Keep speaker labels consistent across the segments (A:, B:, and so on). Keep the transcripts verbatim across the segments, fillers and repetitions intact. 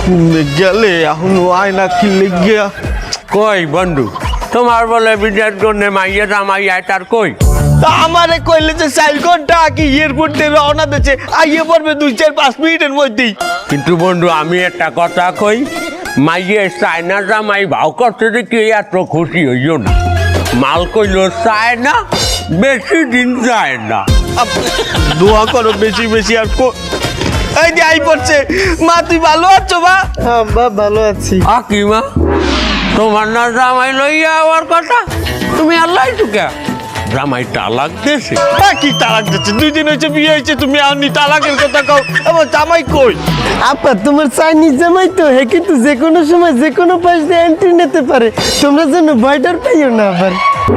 A: গেলে এখন আয়না কিনলে গিয়া
B: কই বন্ধু তোমার বলে বিদেশ জন্য মাইয়া জামাই আয় তার কই
A: তা আমারে কইলে যে চার ঘন্টা আগে এয়ারপোর্ট থেকে রওনা দিচ্ছে আইয়ে পড়বে দুই চার পাঁচ মিনিটের মধ্যেই।
B: কিন্তু বন্ধু আমি একটা কথা কই মাইয়ে চায়না জামাই ভাও করতে দেখি এত খুশি হইও না। মাল কইলো চায় না বেশি দিন যায় না।
A: দোয়া করো বেশি বেশি আর কো এই যে আই পড়ছে। মা তুই ভালো আছো মা?
C: হ্যাঁ বা ভালো আছি।
B: আ কি মা তোমার না জামাই লইয়া আমার কথা তুমি আল্লাহ টুকা জামাই তালাক দিয়েছে।
A: হ্যাঁ কি তালাক দিচ্ছে? দুই দিন হয়েছে বিয়ে হয়েছে তুমি আপনি তালাকের কথা কও। আমার জামাই কই?
C: আপা তোমার চাইনিজ জামাই তো হে কিন্তু যে কোনো সময় যে কোনো পাশ দিয়ে এন্ট্রি নিতে পারে, তোমরা যেন ভয়টার পাইও না আবার।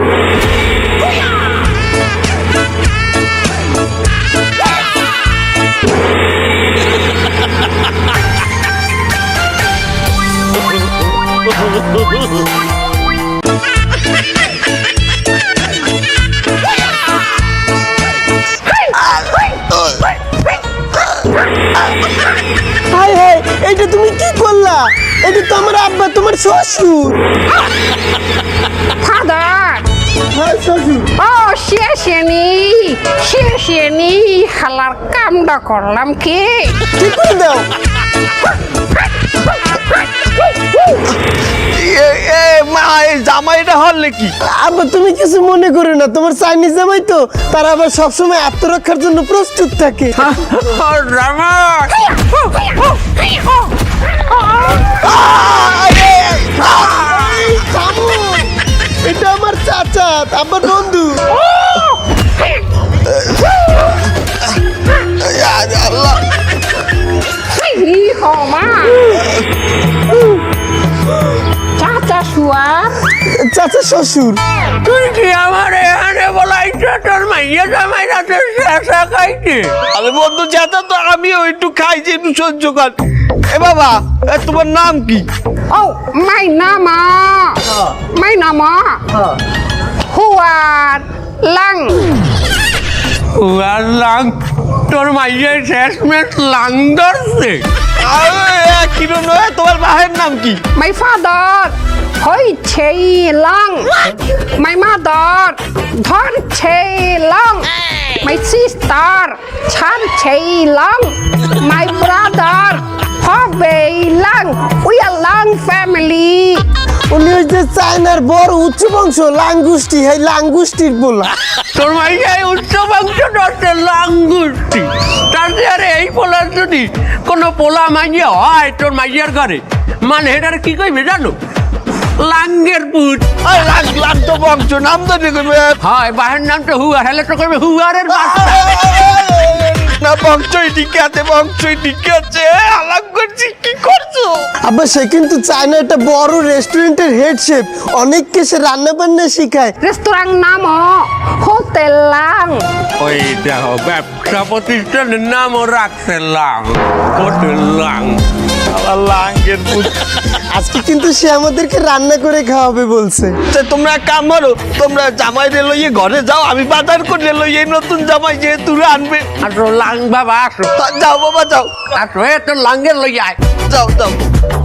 C: হায় হায়, এটা তুমি কি করলা? এটা তো আমার আব্বা, তোমার শ্বশুর।
D: ফাদার
C: হ্যাঁ শ্বশুর।
D: ও শেষেনি শেষেনি হালার কামটা করলাম কি
C: কি করে দাও?
A: এ এ মা এই জামাইটা হল কি?
C: আব্বা তুমি কিছু মনে করো না, তোমার চাইনিজ জামাই তো, তারা আবার সবসময় আত্মরক্ষার জন্য প্রস্তুত থাকে।
B: জামাই
C: এটা আমার চাচা, আমার বন্ধু।
A: আল্লাহ
D: ই হমা চাচা শুয়া
C: চাচা শ্বশুর।
B: তুই কি আমার এখানে বলাইছ তোর মাইয়া জামাই রাতে শেষা খাইছে?
A: আরে বন্ধু যেটা তো আমিও একটু খাইছি একটু সহ্য কর। এ বাবা এ তোমার নাম কি?
D: ও মাই নামা মাই নামা হুয়ার লাং
B: উয়ার লাং তোর মাইয়া শেষমেশ লাং ধরছে।
A: আরে কিলো নয় তোমার ভাইয়ের নাম কি?
D: মাই ফাদার হই ছেই লাং মাই মাদার ধর ছেই লাং মাই সিস্টার ছান ছেই লাং মাই ব্রাদার হবে লাং উই আর লাং ফ্যামিলি।
C: উনি ওই যে চায়নার বড় উচ্চ বংশ লাঙ্গুষ্টি, হ্যাঁ লাঙ্গুষ্টির বলা।
B: তোর মাইয়াই উচ্চ বংশ ধরছে লাঙ্গুষ্টি। তার আরে এই পোলার যদি কোনো পোলা মাইয়া হয় তোর মাইয়ার ঘরে মানে এটার কি কইবে জানো? লাঙ্গের পুত।
A: আরে লাগ লাগ তো বংশ নাম তো দেখবে
B: হয় বাহের নাম তো হুয়ার হেলে তো করবে হুয়ারের বাচ্চা।
A: না বংশই ঠিক আছে বংশই ঠিক আছে। আলাপ করছি কি করছো?
C: আবার সে কিন্তু চায়না একটা বড় রেস্টুরেন্টের হেড শেফ, অনেককে সে রান্না বান্না শিখায়।
D: রেস্তোরাঁ নাম হোটেল লাং।
B: ওই দেখো ব্যবসা প্রতিষ্ঠানের নামও রাখছে লাং হোটেল লাং।
A: আবার লাঙ্গের পুত।
C: আজকে কিন্তু সে আমাদেরকে রান্না করে খাওয়াবে বলছে।
A: তা তোমরা এক কাম করো, তোমরা জামাই রে লইয়ে ঘরে যাও, আমি বাজার করে লইয়ে নতুন জামাই যেহেতু আনবে।
B: আসো লাং বাবা আসো
A: তা যাও বাবা যাও
B: আসো এ তোর লাঙ্গের লই আয়।
A: যাও যাও।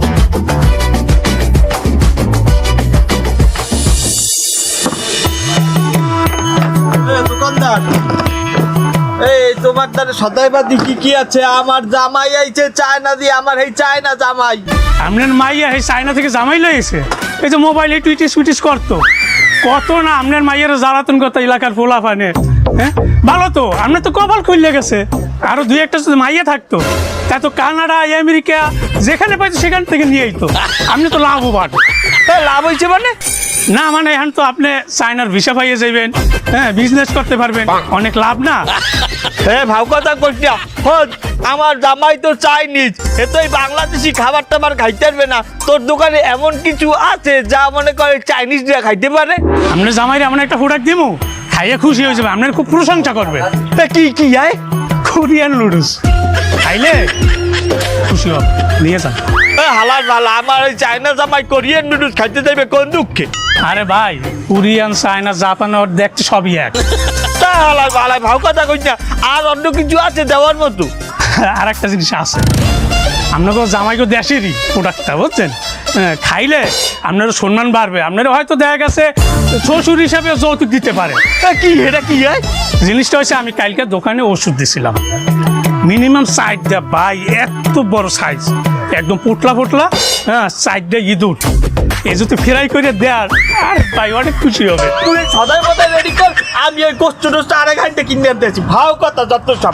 A: দোকানদার এই তোমার দ্বারা সদাইবাদি কি কি আছে? আমার জামাই আইছে চায়না দিয়ে, আমার এই চায়না জামাই।
E: আপনার মাইয়া এই চায়না থেকে জামাই লয়েছে, এই যে মোবাইলে টুইটিস টুইটিস করতো কত না, আপনার মাইয়ের জ্বালাতন করতো এলাকার পোলা ফানে। হ্যাঁ ভালো তো, আপনার তো কপাল খুললে গেছে। আরো দুই একটা যদি মাইয়া থাকতো তা তো কানাডা আমেরিকা যেখানে পাইতো সেখান থেকে নিয়ে আইতো। আপনি তো লাভবান।
A: হ্যাঁ লাভ হয়েছে মানে?
E: না মানে এখন তো আপনি চায়নার ভিসা পাইয়ে যাবেন, হ্যাঁ বিজনেস করতে পারবেন, অনেক লাভ না?
A: হ্যাঁ ভাব কথা করছি। হোক আমার জামাই তো চাইনিজ, এ তো এই বাংলাদেশি খাবার টাবার খাইতে পারবে না। তোর দোকানে এমন কিছু আছে যা মনে করে চাইনিজরা খাইতে পারে?
E: আপনার জামাইরে এমন একটা প্রোডাক্ট দিব, খাইয়ে খুশি হয়ে যাবে, আপনার খুব প্রশংসা করবে।
A: তা কি কি আয়?
E: কোরিয়ান নুডলস খাইলে খুশি হবে, নিয়ে যান।
A: হালার ভালা আমার ওই চায়না জামাই কোরিয়ান নুডলস খাইতে যাবে কোন দুঃখে?
E: আরে ভাই কোরিয়ান চায়না জাপান ওর দেখতে সবই এক।
A: তা হালার ভালা ভাব কথা কইছ না। আর অন্য কিছু আছে দেওয়ার মতো?
E: আর একটা জিনিস আছে, আপনাকে জামাইকে দেশেরই প্রোডাক্টটা বুঝছেন, হ্যাঁ, খাইলে আপনারও সম্মান বাড়বে, আপনারা হয়তো দেখা গেছে শ্বশুর হিসাবে যৌতুক দিতে পারে।
A: এ, কি এটা কি হয়?
E: জিনিসটা হচ্ছে আমি কালকে দোকানে ওষুধ দিছিলাম, মিনিমাম সাইডটা ভাই এত বড় সাইজ, একদম পোটলা পোটলা, হ্যাঁ সাইডটা ইঁদুর, এই যদি ফ্রাই করে দেয়ার আর ভাই অনেক খুশি হবে।
A: তুই সদাই মদাই রেডি কর, আমি ওই কষ্ট টষ্ট আড়াই ঘন্টা কিনে আনতেছি। ভাও কথা যত সব।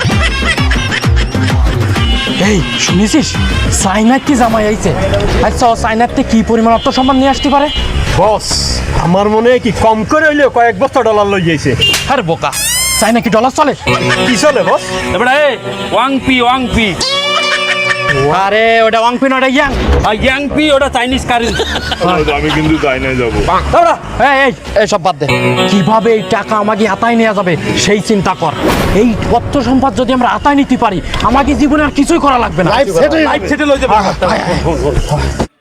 F: এই শুনেছিস চাইনার কি জামাই আইছে? আচ্ছা ও চাইনাতে কি পরিমাণ অর্থ সম্মান নিয়ে আসতে পারে?
G: বস আমার মনে হয় কি কম করে হইলেও কয়েক বস্তা ডলার লই যাইছে।
F: আরে বোকা, চাইনা কি ডলার চলে?
G: কি চলে বস?
B: এবারে ওয়াংপি ওয়াংপি
F: আরে ওটা ওয়াংপিন, ওটা ইয়াং।
B: আর ইয়াংপি ওটা চাইনিজ কারেন্সি।
H: আমি কিন্তু চাইনায় যাবো।
F: এই এই এই সব বাদ দে, কিভাবে এই টাকা আমাকে হাতায় নেওয়া যাবে সেই চিন্তা কর। এই অর্থ সম্পদ যদি আমরা হাতায় নিতে পারি, আমাকে জীবনে আর কিছুই করা লাগবে না।
G: লাইফ সেটেল হইতে পারে।